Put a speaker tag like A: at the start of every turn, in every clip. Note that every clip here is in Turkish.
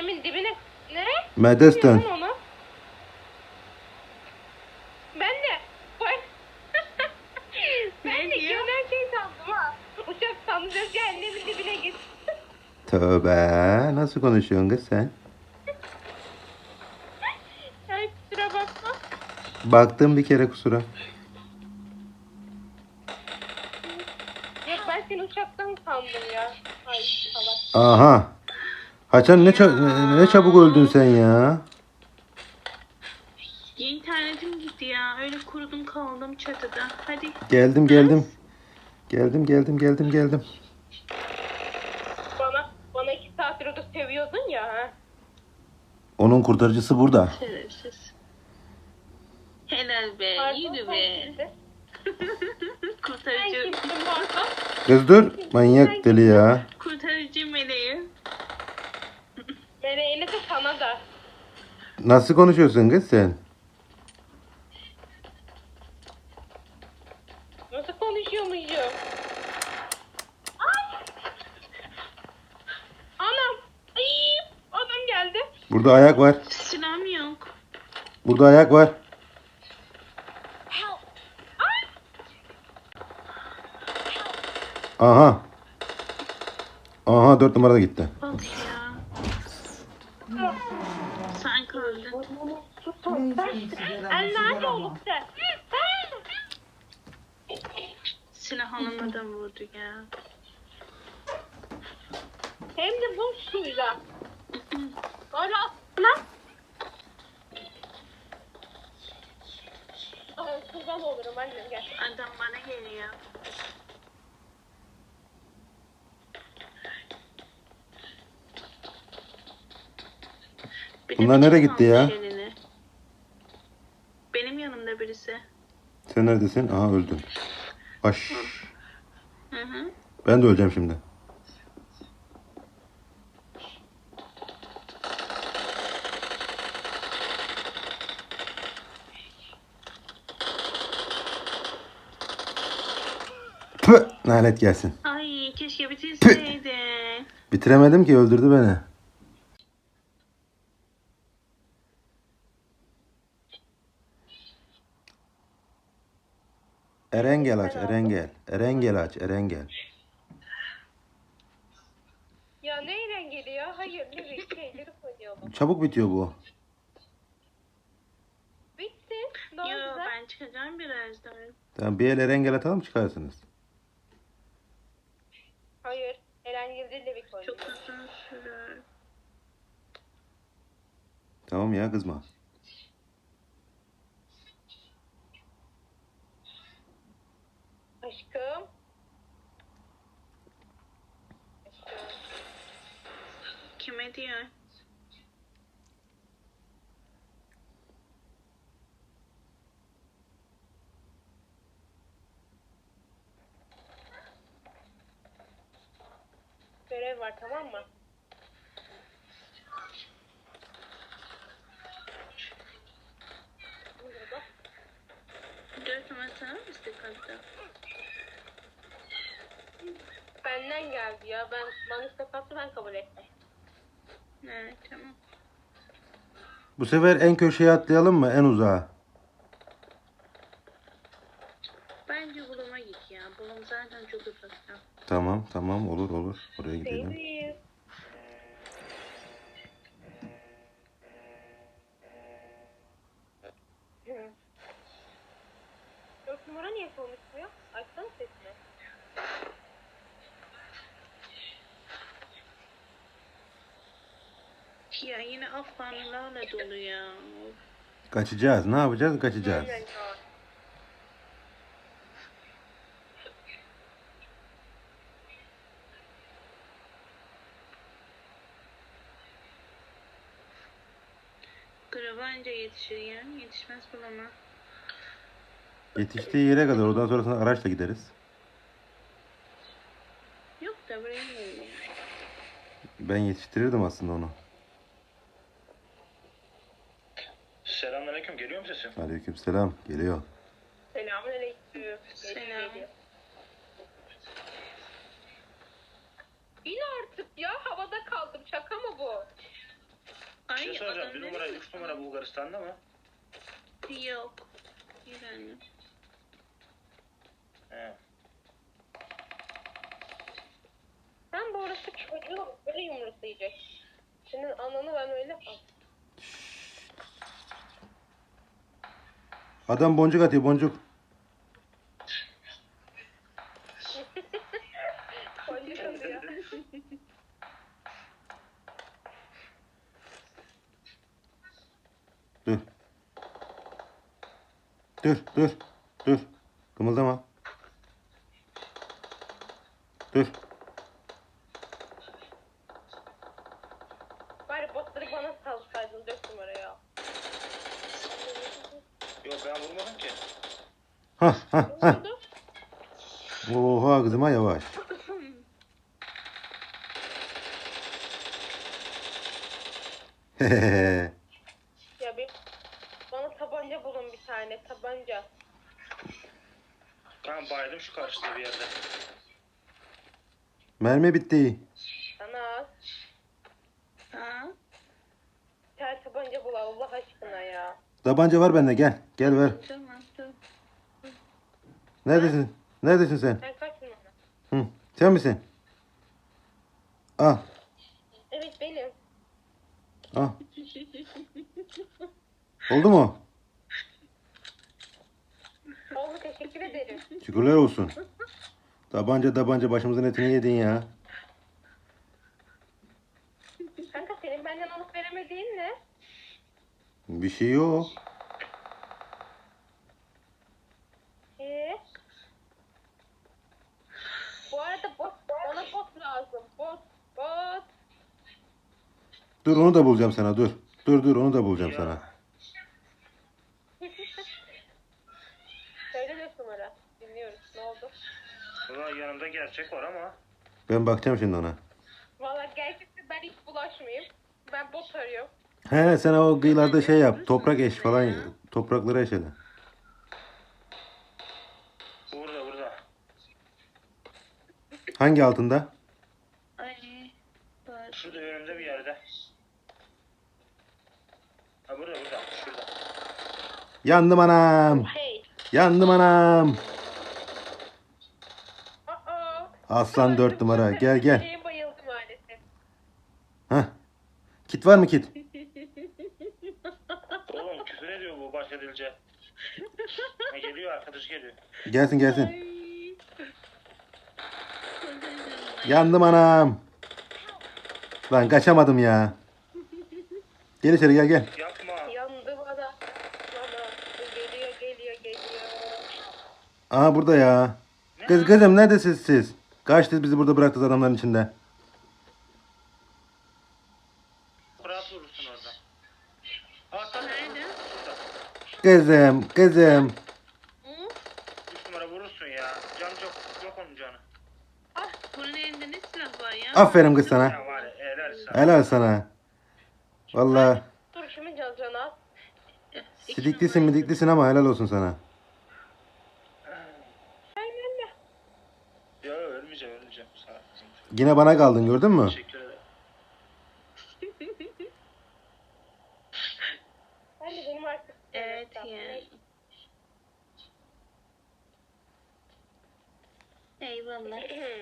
A: cehennemin dibine ne?
B: Medesten.
A: Onu. Ben de ben de gelen şey sandım ha. Uçak sandım cehennemin dibine git.
B: Tövbe. Nasıl konuşuyorsun kız sen?
A: Ay kusura bakma.
B: Baktım bir kere kusura.
A: Yok ben seni uçaktan sandım ya. Ay salak.
B: Aha. Haçan ne çabuk öldün sen ya.
C: İnternetim gitti ya. Öyle kurudum kaldım çatıda. Hadi.
B: Geldim. Geldim.
A: Bana 2 saattir orada seviyordun ya ha.
B: Onun kurtarıcısı burada.
C: Şerefsiz. Helal be.
A: Pardon,
C: Yürü
A: sen
C: be.
A: kimsin? Sen
C: Kurtarıcı.
A: kimsin pardon?
B: Kız dur. Manyak deli ya.
C: Kurtarıcı meleği.
A: Meleğini de sana da.
B: Nasıl konuşuyorsun kız sen?
A: Nasıl konuşuyormuşum? Ay! Anam! Ay! Adam geldi.
B: Burada ayak var.
C: Silahım yok.
B: Burada ayak var. Aha. Aha 4 numarada gitti.
C: Bak ya. Sen kaldın.
A: El nerede olup sen?
C: Silah alamadan vurdu ya.
A: Hem de bu suyla. Böyle aslında. Kurban olurum annem gel.
C: Adam bana geliyor. Bir de
B: Bunlar
C: bıçak
B: nereye gitti ya?
C: almış eline. Benim yanımda birisi.
B: Sen neredesin? Aha öldün. Baş.
C: Hı hı.
B: Ben de öleceğim şimdi. Püh! Lanet gelsin.
C: Ay keşke bitirseydin.
B: Bitiremedim ki öldürdü beni. Erengel aç, Erengel. Erengel aç, Erengel.
A: Ya neyle geliyor? Hayır ne şeyleri koyuyorum.
B: Çabuk bitiyor bu.
A: Bitti. Ne
C: Yo
A: oldu?
C: ben çıkacağım birazdan.
B: Tamam bir el Erengel atalım çıkarsınız.
A: Hayır. Eren Gildir de bir koydu.
C: Çok uzun sürer.
B: Tamam ya kızma.
A: Aşkım.
C: Kime diyor?
A: Görev var tamam mı? Burada.
C: 4 numarasına mı istek hatta?
A: Benden geldi ya. Bana istek attı ben kabul ettim.
C: Evet tamam.
B: Bu sefer en köşeye atlayalım mı? En uzağa.
C: Bence buluma git ya. Bulum zaten çok uzakta.
B: Tamam olur. Oraya gidelim.
A: Değil. Dört numara niye konuşmuyor? Açsana sesini.
C: Ya yine Afganlarla dolu ya.
B: Kaçacağız. Ne yapacağız? Kaçacağız.
A: Aynen ya.
C: Grava anca yetişir ya. Yetişmez bulama.
B: Yetiştiği yere kadar oradan sonrasında araçla gideriz.
C: Yok da buraya geliyor.
B: Ben yetiştirirdim aslında onu.
D: Selamünaleyküm. Geliyor mu sesim?
B: Aleykümselam. Geliyor.
A: Selamünaleyküm.
C: Selam.
A: İn artık ya. Havada kaldım. Şaka mı bu?
C: Ay
D: soracağım.
C: adam
D: Bir
C: ne
D: numara,
C: demek
D: 3 numara Bulgaristan'da mı?
C: Yok. Yani.
D: He.
A: Sen bu arası çocuğu böyle yumruklayacak. Senin ananı ben öyle al.
B: Adam boncuk atıyor boncuk.
A: Boncuk alıyor.
B: Dur. Dur dur. Dur. Kımıldama. Dur.
A: Bari botları bana salsaydın 4 numaraya.
D: Yok ben vurmadım ki.
B: Hah hah
A: Ne
B: hah.
A: oldu?
B: Oha kızıma yavaş.
A: Ya bir bana tabanca bulun bir tane tabanca.
D: Ben baydım şu karşıda bir yerde.
B: Mermi bitti.
A: Sana al.
C: Ha?
A: Bir tane tabanca bul Allah aşkına ya.
B: Tabanca var bende gel. Gel ver.
C: Tamam tamam.
B: Neredesin? Neredesin sen?
A: Sen kaç numara?
B: Hı. Sen misin? Al.
A: Evet benim.
B: Al. Oldu mu?
A: Oldu teşekkür ederim.
B: Şükürler olsun. Tabanca başımızın etini yedin ya.
A: Kanka senin benden alıp veremediğin ne?
B: Bir şey yok.
A: Bu arada bana bot lazım. Bot.
B: Dur onu da bulacağım sana dur. Dur onu da bulacağım
D: Ya.
B: sana.
A: Söyle 4 numara. Dinliyoruz. Ne oldu?
D: Ulan yanımda gerçek var ama.
B: Ben bakacağım şimdi ona.
A: Valla gerçekten ben hiç bulaşmayayım. Ben bot arıyorum.
B: He sen o kıyılarda şey yap. Toprak eş falan. Toprakları eş hele.
D: Burada.
B: Hangi altında?
C: Ay. Bak.
D: Şurada önümde bir yerde. Ha burada. Şurada.
B: Yandım anam.
A: Hey.
B: Yandım anam.
A: Aa.
B: Aslan 4 numara. Gel gel.
A: Şeye bayıldı maalesef.
B: Hah. Kit var mı kit?
D: Oğlum küfür ediyor bu başka dilce. Ha, geliyor arkadaş geliyor.
B: Gelsin gelsin.
C: Ay.
B: Yandım anam. Lan kaçamadım ya. Gel içeri gel.
D: Yapma.
A: Yandı bana. Geliyor.
B: Aha burada ya. Kızım neredesiniz siz? Kaçtınız bizi burada bıraktınız adamların içinde.
D: Rahat vurursun orada. Ha tamam.
C: Nerede?
B: Kızım.
A: Hı?
D: 3 numara vurursun ya. Can yok onun canı.
C: Bunun elinde ne silah var ya?
B: Aferin kız sana.
D: Ya var ya helal sana.
B: Helal sana. Vallahi
A: Dur kimin canı al.
B: sidiklisin ama helal olsun sana.
D: Ya ölmeyeceğim. Sağ ol.
B: Yine bana kaldın gördün mü?
D: Teşekkür ederim.
A: Ben de benim artık.
C: Evet yani. Eyvallah.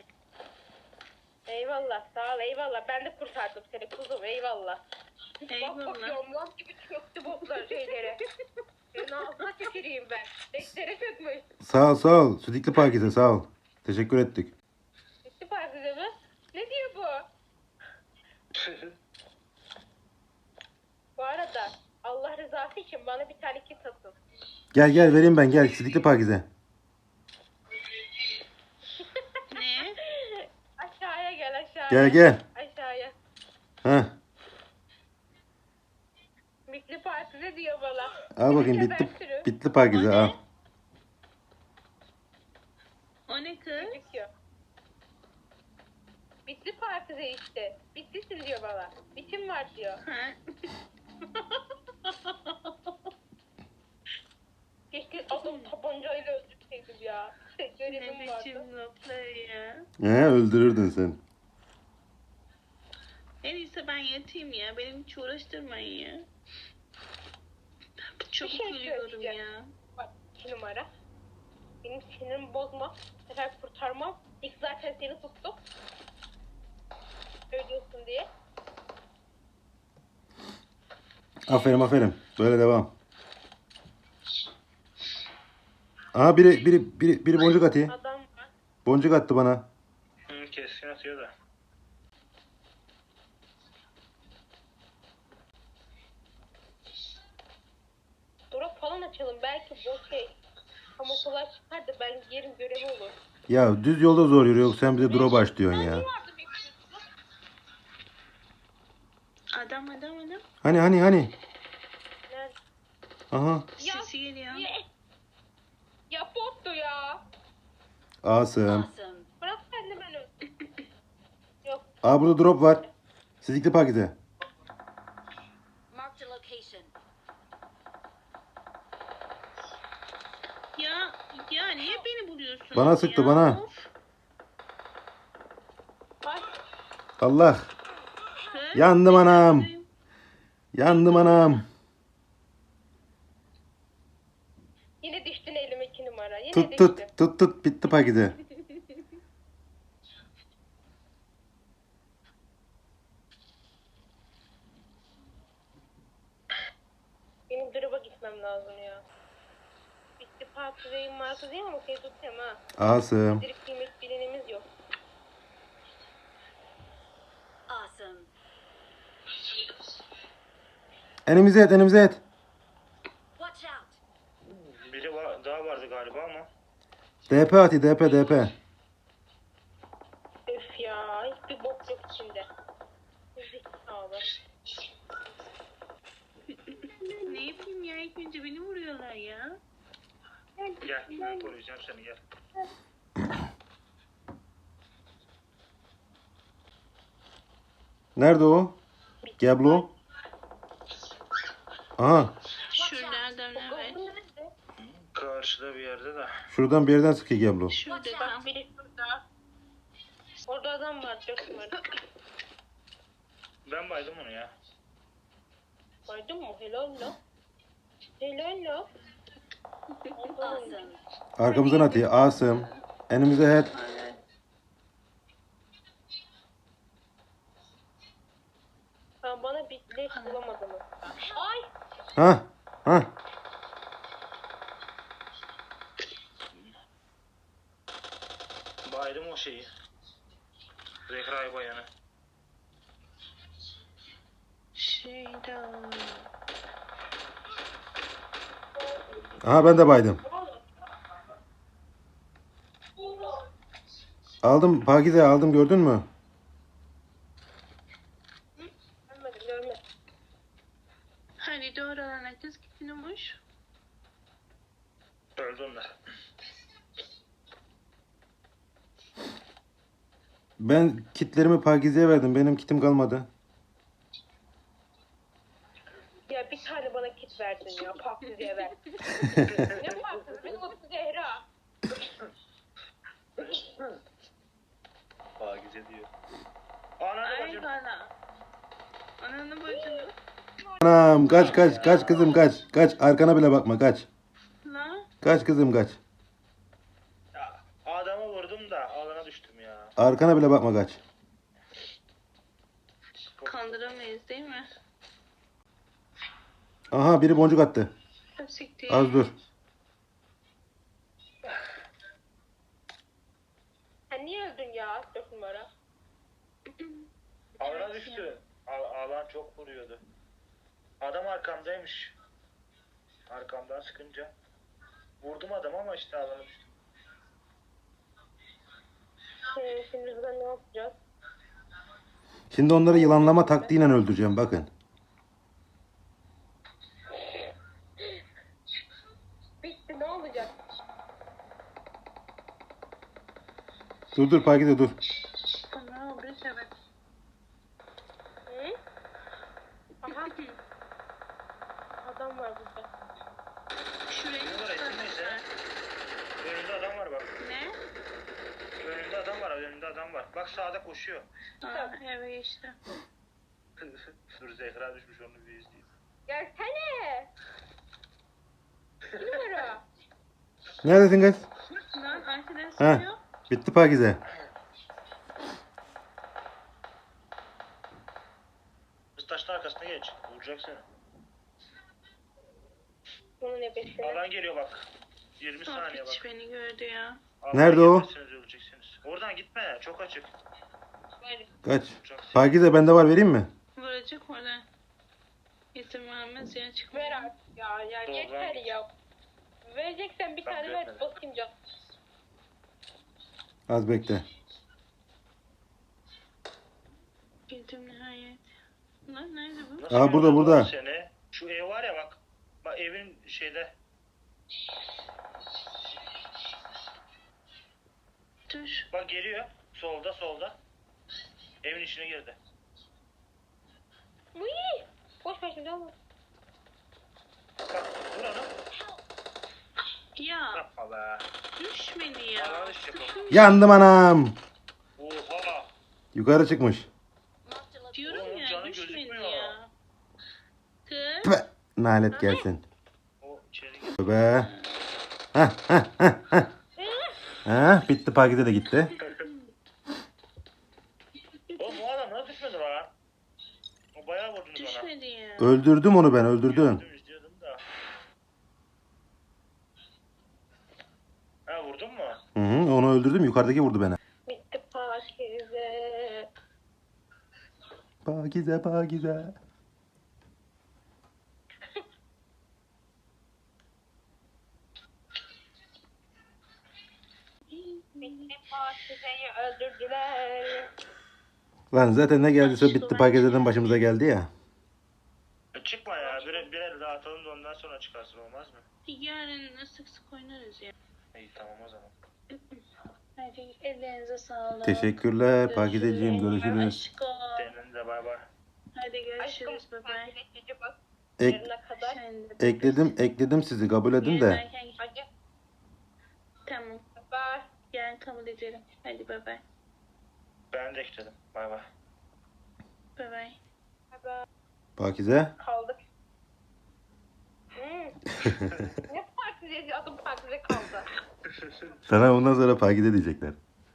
A: Eyvallah sağ ol eyvallah. Ben de kurtardım seni kuzum eyvallah. Bak
C: Eyvallah.
A: bakıyorum lan gibi çöktü botlar şeylere. Senin ağzına tüküreyim ben. Beklere çökmüş.
B: Sağ ol. Sidikli Pakize sağ ol. Teşekkür ettik.
A: Gitti partide mi? Ne diyor bu? Bu arada Allah rızası için bana bir tane kit atın.
B: Gel vereyim ben gel. Sidikli Pakize.
C: Ne?
A: Aşağıya gel aşağıya.
B: Gel.
A: Aşağıya.
B: Heh.
A: Mikli partide diyor bana.
B: Al bakayım bitli Pakize al.
C: O ne kız?
A: Gözüküyor. Bitli partide işte. Bitlisin diyor bana. Bitim var diyor.
C: Ha?
A: Keşke adam tabancayla öldürseydim ya.
C: Ne
A: Görevim vardı.
C: biçim laflar ya.
B: Öldürürdün sen.
C: En iyisi Neyse ben yatayım ya. Benim hiç uğraştırmayın ya. Çok
A: Bir şey
C: gülüyorum
A: söyleyeceğim.
C: ya.
A: Bak 2 numara. Benim sinirimi bozma. Bu sefer kurtarmam. İlk zaten seni tuttuk. Söylüyorsun diye.
B: Aferin aferin. Böyle devam. Aha biri boncuk atıyor.
A: Adam var.
B: Boncuk attı bana.
D: Keskin atıyor da.
A: Drop falan açalım. Belki bu şey. Kamuflaj çıkar da ben yerin görevi olur.
B: Ya düz yolda zor yürüyor. Sen bize drop aç diyorsun ya.
A: Vardı bir
C: Adam.
B: Hani.
A: Nerede?
B: Aha.
A: Ya,
C: Sesi geliyor.
A: ya bottu ya.
B: Awesome.
A: Bırak sen de beni. Yok.
B: Aa burada drop var. Sizlikli paketi.
E: Marked a location.
C: Ya niye beni buluyorsun?
B: Bana sıktı, bana.
A: Ay.
B: Allah. Yandım anam. Yandım anam.
A: Yine düştün elime 2 numara. Yine
B: Tut
A: düştün.
B: tut. Bitti paketi.
A: Benim drop'a gitmem lazım ya. Bitti partideyim markadayım ama şey tutayım ha.
B: Awesome.
A: Direkt kıymet bilinimiz yok.
E: Awesome.
B: Enimize et.
E: Watch out.
D: Biri daha vardı galiba ama.
B: DP atı DP.
A: Öf ya. Hiçbir bok yok içinde. Zekalı.
C: Ne yapayım ya? İlk önce beni vuruyorlar ya.
D: Gel ben koruyacağım seni gel.
B: Nerede o? Geblo. Aha.
C: Şuradan evet.
A: Bu nerede?
D: Karşıda bir yerde de.
B: Şuradan bir yerden sıkıyor Geblo.
C: Şurada
A: Bak
C: tam.
A: biri şurada. Orada adam var 4 numara.
D: Ben baydım onu ya.
A: Baydın mı? Helal la. Helal la.
E: Awesome.
B: Arkamızdan atıyor. Awesome. Enimize head.
C: Evet.
A: Ben bana bir leş bulamadım. Ay.
B: Ha.
D: Baydım o şeyi. Zekrai bayanı.
C: Şeyden.
B: Aha ben de baydım. Aldım Pakize aldım gördün mü?
A: Görmedim.
C: Hani doğru olan kız gitmiş.
D: Öldü onlar.
B: Ben kitlerimi Pakize'ye verdim. Benim kitim kalmadı.
A: Ya bir tane bana kit verdin ya. Paklı diye ver. Ne paklı? Benim adım Zehra.
D: Pakize diyor. Ananı
C: Ay
D: bacım.
C: bana. Ananı bacını.
B: Anam kaç kızım kaç. Arkana bile bakma kaç.
C: La.
B: Kaç kızım kaç.
D: Ya, adamı vurdum da alana düştüm ya.
B: Arkana bile bakma kaç.
C: Kandıramayız değil mi?
B: Aha biri boncuk attı.
C: Siktir.
B: Az dur.
A: Sen niye öldün ya 4 numara?
D: Alana düştü. Alan çok vuruyordu. Adam arkamdaymış. Arkamdan sıkınca. Vurdum adam ama işte alana düştü.
A: Şimdi rüzgar ne yapacağız?
B: Şimdi onları yılanlama taktiğiyle öldüreceğim bakın.
A: Bitti ne olacak?
B: Dur Pakize dur.
C: Ana bir sebep.
A: Hı? Aha. Adam var burada.
C: Şurayı
D: Ne var, etin neyse?
C: tutmasınlar.
D: Önünde adam var bak.
C: Ne?
D: Önünde adam var. Bak sağda koşuyor.
C: Aa, eve geçti.
D: Dur Zehra düşmüş onu bir izleyeyim.
A: Gelsene. Bir numara.
B: Neredesin kız?
C: Lan arkadan
B: Ha.
C: sıkıyor.
B: Bitti Pakize.
D: Kız taşın arkasına geç. Vuracak seni.
A: Bunun nefesini.
D: Alan geliyor bak. 20 saniye bak.
C: Hiç beni gördü ya.
D: Alan
B: Nerede o?
D: gelmezseniz öleceksiniz. Oradan gitme. Çok açık.
A: Böyle.
B: Kaç.
D: Vuracak.
B: Pakize bende var, vereyim mi?
C: Vuracak oradan. İzin vermez ya çıkmıyor.
A: Ver artık ya. Ya
D: Doğru,
A: yeter
D: ben-
A: ya. Vereceksen bir
D: Ben
A: tane ver.
D: vermedim.
A: Basayım can.
B: Az bekle.
C: Girdim nihayet. Lan nerede bu?
D: Nasıl
B: Aa, burada,
D: gördün
B: burada.
D: oğlum Seni? Şu ev var ya bak. Bak evin şeyde.
C: Dur.
D: Bak geliyor. Solda solda. Evin içine girdi.
A: Uy. Boş ver şimdi alma.
D: Bak vur onu.
C: Ya
D: Yapma be.
C: düşmedi ya.
D: Allah'ın işi bu.
C: Sıkın
B: Yandım anam.
D: Oha.
B: Yukarı çıkmış.
E: Marked a location.
C: diyorum
D: Oğlum,
C: ya
D: canı
C: düşmedi
D: gözükmüyor.
C: ya. Kız.
B: Püh, nalet gelsin.
D: O içeri girdi.
B: Be. Hah hah hah hah. Ha, bitti, Pakize de gitti.
D: Oğlum bu adam nasıl düşmedi lan? O bayağı vurdunuz bana.
C: Düşmedi ya.
B: Öldürdüm onu, ben öldürdüm.
D: Gördüm, izliyordum da. Ha vurdun mu?
B: Hı hı, onu öldürdüm, yukarıdaki vurdu beni.
A: Bitti Pakize.
B: Pakize Pakize.
A: Bitti Pakize'yi öldürdüler.
B: Lan zaten ne geldiyse bitti Pakize'den başımıza geldi ya.
D: Çıkma ya. Bir el daha atalım da ondan sonra çıkarsın olmaz mı?
C: Yarın sık sık oynarız ya.
D: İyi tamam o zaman.
C: Hadi ellerinize sağlık.
B: Teşekkürler Pakizeciğim, görüşürüz.
C: Aşkım.
D: Senin de bay bay.
C: Hadi
A: Aşkım
C: görüşürüz bebe.
A: Pakize cici bak.
B: Ek,
A: Yarına kadar.
C: Sen de.
B: ekledim sizi, kabul edin de.
C: Yarın
A: Hadi.
C: Tamam.
A: Bye.
C: Yarın kabul ederim. Hadi bye bye.
D: Ben de ekledim. Bay bay.
C: Bye bye.
A: Bye.
B: Pakize.
A: Kaldık. Ne Pakize? Adım Pakize kaldı.
B: Sana ondan sonra Pakize diyecekler.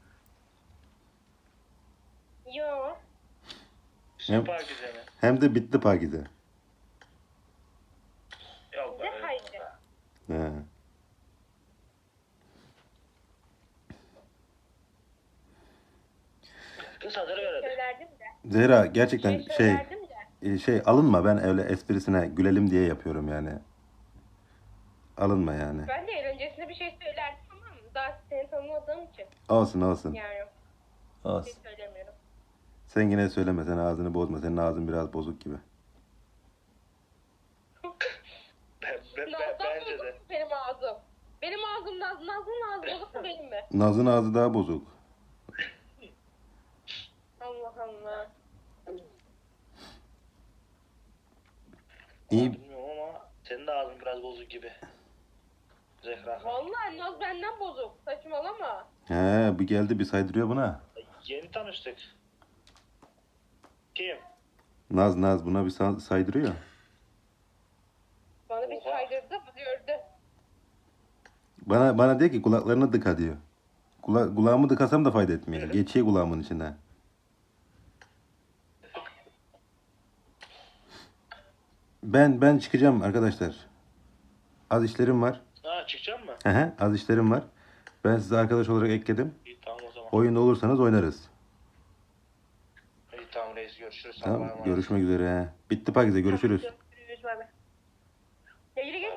A: Yo.
D: Süper güzel mi?
B: Hem de bitti Pakize.
D: Yok
A: Ne
D: be.
A: haydi?
B: He.
D: Kız hazır verelim.
A: Söylerdim de.
B: Zehra gerçekten
A: Söylerdim de.
B: alınma, ben öyle esprisine gülelim diye yapıyorum yani. Alınma yani.
A: Ben de öncesinde bir şey söylerdim ama daha seni tanımadığım için.
B: Olsun olsun.
A: Yani bir şey
B: Olsun.
A: söylemiyorum.
B: Sen yine söyleme, sen ağzını bozma. Senin ağzın biraz bozuk gibi.
A: Naz'dan
D: Bence
A: bozuk
D: de.
A: mu benim ağzım? Benim ağzım Naz'ın ağzı bozuk mu benim mi?
B: Naz'ın ağzı daha bozuk.
A: Allah Allah.
B: İyi.
D: Bilmiyorum ama senin de ağzın biraz bozuk gibi. Zehra.
A: Vallahi Naz benden bozuk. Saçmalama.
B: He, bir geldi bir saydırıyor buna.
D: Yeni tanıştık. Kim?
B: Naz buna bir saydırıyor.
A: Bana bir
D: Oha.
A: saydırdı, bu gördü.
B: Bana diyor ki kulaklarını dıka diyor. Kulağımı dıkasam da fayda etmiyor. Geçiyor kulağımın içine. Ben çıkacağım arkadaşlar. Az işlerim var.
D: Ha çıkacak mı?
B: Hı, az işlerim var. Ben sizi arkadaş olarak ekledim.
D: İyi tamam o zaman.
B: Oyunda olursanız oynarız.
D: İyi tamam reis görüşürüz.
B: Tamam,
D: Allah'a emanet.
B: görüşmek üzere. Bitti Pakize, görüşürüz.
A: Görüşürüz, bay bay. Ya yürü git.